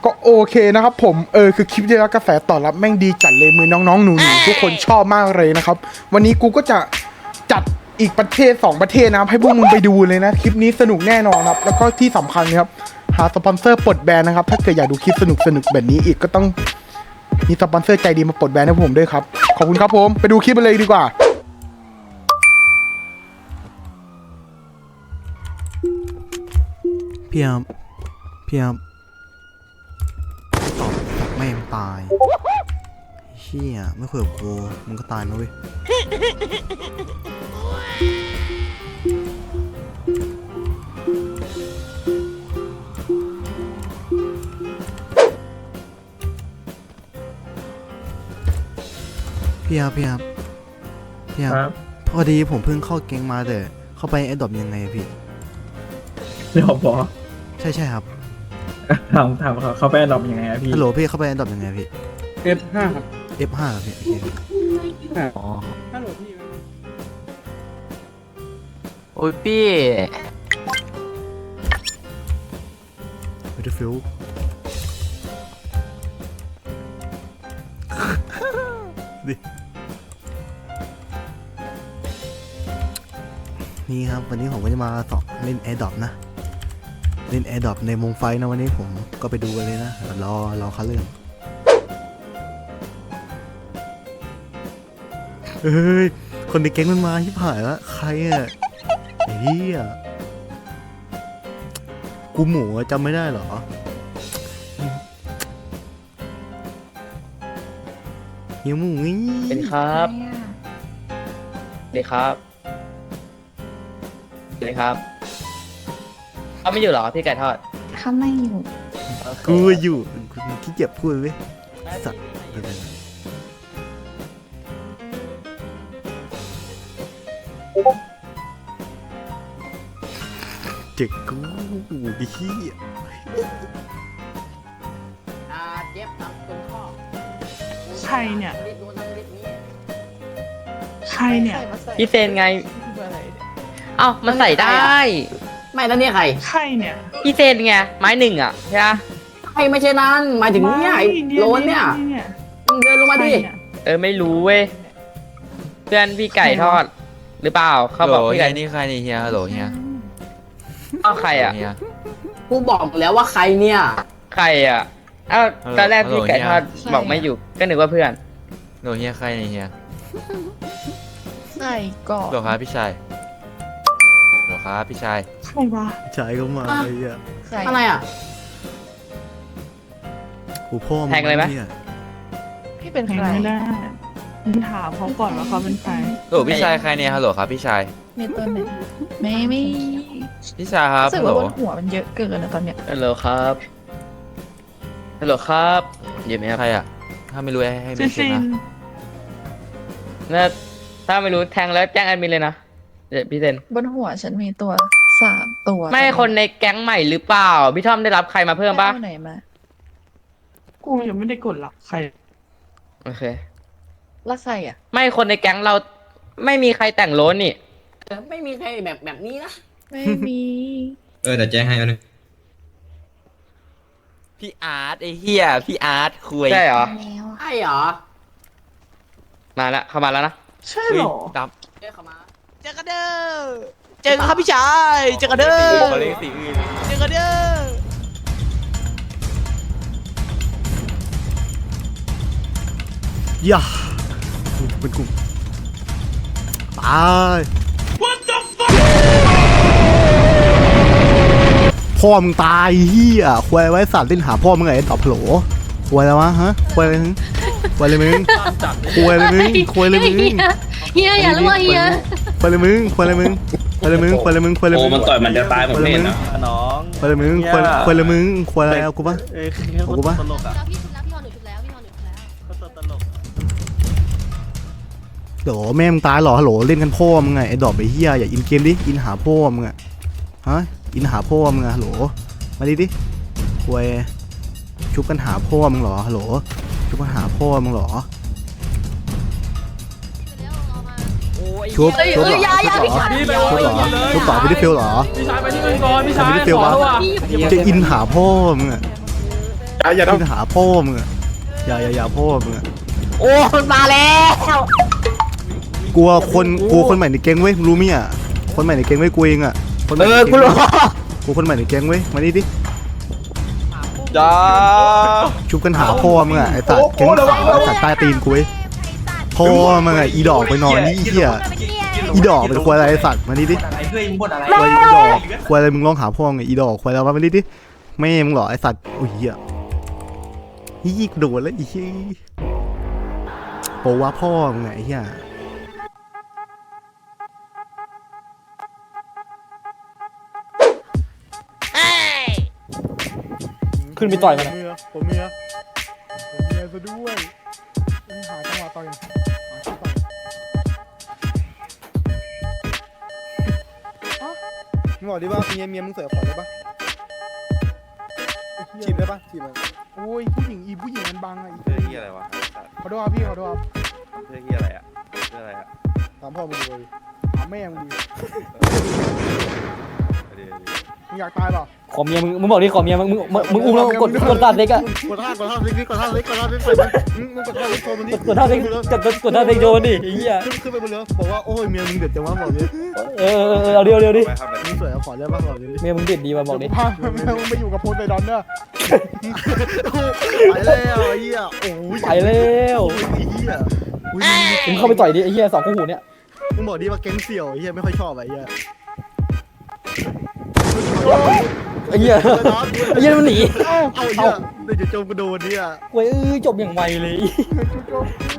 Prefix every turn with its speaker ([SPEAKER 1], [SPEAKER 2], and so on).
[SPEAKER 1] ก็โอเคนะครับผมคือคลิปที่แล้วกระแสตอบรับแม่งดีจัดเลยมือน้องๆหนูๆทุกคนชอบมากเลยนะครับวันนี้กูก็จะจัดอีกประเทศ2ประเทศนะครับให้พวกมึงไปดูเลยนะคลิปนี้สนุกแน่นอนครับแล้วก็ที่สำคัญครับหาสปอนเซอร์ปลดแบนนะครับถ้าเกิดอยากดูคลิปสนุกแบบนี้อีกก็ต้องมีสปอนเซอร์ใจดีมาปลดแบนให้ผมด้วยครับขอบคุณครับผมไปดูคลิปกันเลยดีกว่า
[SPEAKER 2] พี่ครับตอบแม่งตายเชี่ยไม่คุยกับกูมึงก็ตายนะเว้ยพี่ครับพอดีผมเพิ่งเข้าเกงมาแต่เข้าไปแอดดอปยังไงอะพี่
[SPEAKER 3] เดี๋ยวบอก
[SPEAKER 2] ใช่ครับ
[SPEAKER 3] ถามเขาไปอันดับยังไงอะพี่
[SPEAKER 2] ฮัลโหลพี่เข้าไปแอดดอปยังไงพี่
[SPEAKER 1] F5 ครับ
[SPEAKER 2] F5 ครับพี่โอเคครับอ๋อ
[SPEAKER 1] ฮัลโหลพี่
[SPEAKER 4] โอ้ยพี่
[SPEAKER 2] ไม่ได้ฟิลดินี่ครับวันนี้ผมก็จะมาสอบเล่นแอร์ดรอปนะเล่นแอร์ดรอปในวงไฟนะวันนี้ผมก็ไปดูกันเลยนะรอคัดเรื่องเฮ้ยคนในแก๊งมันมาชิบหายแล้วใครอ่ะไอ้เหี้ยกูหมูอะจำไม่ได้เหรอเฮียหมูงี้
[SPEAKER 4] เป็นครับเลยครับเลยครับเขาไม่อยู่เหรอพี่ไก่ทอด
[SPEAKER 5] เขาไม่อยู่
[SPEAKER 2] กูอยู่กูขี้เกียจพูดเว้ยสัตว์เจ็กกูไอ้เหี้ย
[SPEAKER 4] เจ็บตับตรงข้อ
[SPEAKER 6] ใครเนี่ย ใครเนี่ย
[SPEAKER 4] พี่เซนไงเอ้ามันใส่ได้
[SPEAKER 7] ไม่แล้วเนี่ยใคร
[SPEAKER 6] ใครเนี่ย
[SPEAKER 4] พี่เซนไงไม้หนึ่งอ่ะใช่ปะ
[SPEAKER 7] ใครไม่ใช่นั้นหมายถึงเนี่ยไอ้โลนเนี่ยมึงเดินลงมาดิ
[SPEAKER 4] ไม่รู้เว้ยเพื่อนพี่ไก่ทอด หรือเปล่าเขาบอกพี่ไก่
[SPEAKER 8] นี่ใครนี่เฮียฮัลโหลเฮีย
[SPEAKER 4] เอ้าใครอ่ะ
[SPEAKER 8] เฮีย
[SPEAKER 7] กูบอกแล้วว่าใครเนี่ย
[SPEAKER 4] ใครอ่ะเอ้าตอนแรกพี่ไก่ทอดบอกไม่อยู่ก็นึกว่าเพื่อน
[SPEAKER 8] ฮัลโหลเฮียใครนี่เฮีย
[SPEAKER 5] ใส่ก่อ
[SPEAKER 8] ฮัลโหลครับพี่ชายฮัลโหลครับพี่ชาย
[SPEAKER 6] ใครวะ
[SPEAKER 2] ชายก็มาไอ้เหี้ย
[SPEAKER 5] ใส่
[SPEAKER 7] อะไรอ่ะ
[SPEAKER 2] กูพ่อมึง
[SPEAKER 4] แทงเลยไหม
[SPEAKER 2] นี่
[SPEAKER 5] พี่เป็น
[SPEAKER 6] ใคร
[SPEAKER 5] ใคร
[SPEAKER 6] ไม่ได้มึงถามเขาก่อนว่าเขาเป็นใคร
[SPEAKER 8] ฮัลโหลพี่ชายใครเนี่ยฮัลโหลครับพี่ชาย
[SPEAKER 5] มีตัวไหนไม่
[SPEAKER 8] พี่ชายครับ
[SPEAKER 5] รู้สึ
[SPEAKER 8] ฮั
[SPEAKER 5] ก
[SPEAKER 8] ลโหล
[SPEAKER 5] ว่าบนหัวมันเยอะเกินนะตอนเนี้ย
[SPEAKER 4] ฮัลโหลครับฮัลโหลครับอยู่ไหมครับ
[SPEAKER 8] ใครอ่ะถ้าไม่รู้ให้
[SPEAKER 6] เซ
[SPEAKER 8] ไม่
[SPEAKER 6] น
[SPEAKER 8] เช็คนะ
[SPEAKER 4] ถ้าไม่รู้แทงแล้วแจ้งแอดมินเลยนะเดี๋ยวพี่เซน
[SPEAKER 5] บนหัวฉันมีตัว3 ตัว
[SPEAKER 4] ไม่คนในแก๊งใหม่หรือเปล่า พี่ทอมได้รับใครมาเพิ่มปะ
[SPEAKER 5] เอาไหนมา
[SPEAKER 6] กูยังไม่ได้กดหรอกใคร
[SPEAKER 4] โอเค
[SPEAKER 5] แล้วใส่อ่ะ
[SPEAKER 4] ไม่คนในแก๊งเราไม่มีใครแต่งโล้นนี่
[SPEAKER 7] ไม่มีใครแบบนี้นะ
[SPEAKER 5] ไม่มี
[SPEAKER 9] เดี๋ยวแจ้งให้อันนึง
[SPEAKER 8] พี่อาร์ตไอ้เฮียพี่อาร์ตคุย
[SPEAKER 4] ใช่เหรอ
[SPEAKER 5] แล้ว
[SPEAKER 7] ใช่เหรอ
[SPEAKER 4] มาแล้วเข้ามาแล้วนะ
[SPEAKER 6] ใช่เหรอ
[SPEAKER 8] ดับ
[SPEAKER 7] เรียกเขามา
[SPEAKER 10] เจอกันเด้อ เจอกันครับพี่ชายเจอกันเด้อ
[SPEAKER 8] เขาเรียกสีอื่น
[SPEAKER 10] เจอกันเด้อ
[SPEAKER 2] ย่ากูเป็นกูตายพ่อมึงตายเฮียควายไว้สัตว์เล่นหาพ่อมึงไงตอบโผล่ควายแล้ววะฮะควายอะไรมึงควายอะไรมึงควายอะไรมึงควายอะไรมึง
[SPEAKER 5] เฮียอย่ารู้ว่าเฮีย
[SPEAKER 2] ควายอะไรมึงควายอะไรมึงควายอะไรมึงควายอะไรมึงควายอะไรมึง
[SPEAKER 9] มันต่อยมันจะตายผมเล่นนะ
[SPEAKER 3] น้อง
[SPEAKER 2] ควายอะไรมึงควายอะไรมึงควายอะไรเอากูปะ
[SPEAKER 3] เขาตลกอ่ะ
[SPEAKER 5] พี่ชุดแล้วพี่ฮอนหนูชุดแล้วพี่ฮอนหนูชุดแล้ว
[SPEAKER 3] เขาตลก
[SPEAKER 2] โหลแม่มึงตายเหรอฮัลโหลเล่นกันพ่อมึงไงไอ้ดอกไอ้เหี้ยอย่าอินเกมดิอินหาพ่อมึงอะฮะอินหาพ่อมึงอะฮัลโหลมาดิควยชุบกันหาพ่อมึงเหรอฮัลโหลชุบกันหาพ่อมึงเหรอชุบเหรอชุบเหรอชุบต่อไม่ได้ฟิลเหรอ
[SPEAKER 3] พี่ชายไปที่อื่นก่อนพี่ชาย
[SPEAKER 2] ไม่ได้ฟิลวะจะอินหาพ่อมึงอะ
[SPEAKER 1] อย่า
[SPEAKER 2] ขึ้น
[SPEAKER 1] ทำ
[SPEAKER 2] หาพ่อมึงอะอย่าพ่อมึงอะ
[SPEAKER 7] โอ้มันมาแล้ว
[SPEAKER 2] กลัวคนใหม่ในแก๊งเว้ยมึงรู้มั้ยอะคนใหม่ในแก๊งเว้ยกูเองอะคนใหม่ในแก๊ง
[SPEAKER 7] กูรู้
[SPEAKER 2] กูคนใหม่ในแก๊งเว้ยมานี่ดิ
[SPEAKER 8] จ้า
[SPEAKER 2] ชุบกันหาพ่อมึงอะไอ้สัตว์แก๊งขาวสัตว์ใต้ตีนกูเว้ยพ่อมึงอะอีดอกไปนอนนี่เหี้ยอีดอกเป็นควายอะไรไอ้สัตว์มานี่ดิ
[SPEAKER 3] อะไรเฮ้ยมึงบ่นอะไร
[SPEAKER 2] ควายอีดอกควายอะไรมึงร้องหาพ่อไงอีดอกควายแล้วมานี่ดิแม่มึงเหรอไอ้สัตว์โอ้ยเหี้ยยี่กูโดนแล้วอีเหี้ยโปว่าพ่อมึงไงไอ้เหี้ย
[SPEAKER 7] ขึ้นไปต่อยมัน
[SPEAKER 1] ผมเมียซะด้วยหาจังหวะต่อยมึงบอกดิว่าเมียมึงเสือขอได้ปะจีบได้ปะจีบมันโอ้ยผู้หญิงมันบังอ่ะ
[SPEAKER 8] เพื่อที่อะไรวะ
[SPEAKER 1] ขอโทษครับพี่ขอโทษครับ
[SPEAKER 8] เพื่อที่อะไรอ่ะเพื่ออะไรอ่ะ
[SPEAKER 1] ถามพ่อมึงดูดิถามแม่มึงดู
[SPEAKER 8] เดี๋ยว
[SPEAKER 1] มึงอยากตายเปล่า
[SPEAKER 7] ขอเมียมึงบอกดิขอเมียมึงอุ้มแล้วกดท่าเซ็กอะ
[SPEAKER 1] กดท่าเล็กมึงกดท่าเล็กมึงกดท่าเล็กโชว์มันดิ
[SPEAKER 7] กดท่าเซ็กกดท่าเซ็กโยนดิไอ้เหี้ย
[SPEAKER 1] ขึ้นไปบนเรือบอกว่าโอ้ยเมียมึงเด็ดจังวะบอกดิ
[SPEAKER 7] เอาเดียวดิ
[SPEAKER 8] ไปครับ
[SPEAKER 1] มึงสวยขอได้ปะบอกดิ
[SPEAKER 7] เมียมึงเด็ดดีมาบอกดิ
[SPEAKER 1] พามึงไปอยู่กับโพไซดอนเด้อ
[SPEAKER 2] ไปแล้วไอ้เหี้ยโอ้ย
[SPEAKER 7] ไปแล้ว
[SPEAKER 2] ไอ้เหี้ย
[SPEAKER 7] มึงเข้าไปต่อยดิไอ้เหี้ยสองคู่หูเนี่ย
[SPEAKER 2] มึงบอกดิว่าแก๊งเสี่ยวไอ้เหี้ยไม่ค่อยชอบไอ้เหี้ย
[SPEAKER 7] ไอ้เหี้ยไอ้เหี้ยมันหนี
[SPEAKER 2] เอาเหี้ยเดี๋ยวจะโจมกระโดดเนี่ย
[SPEAKER 7] เว้ยจบอย่างไวเลย
[SPEAKER 1] จุ๊บ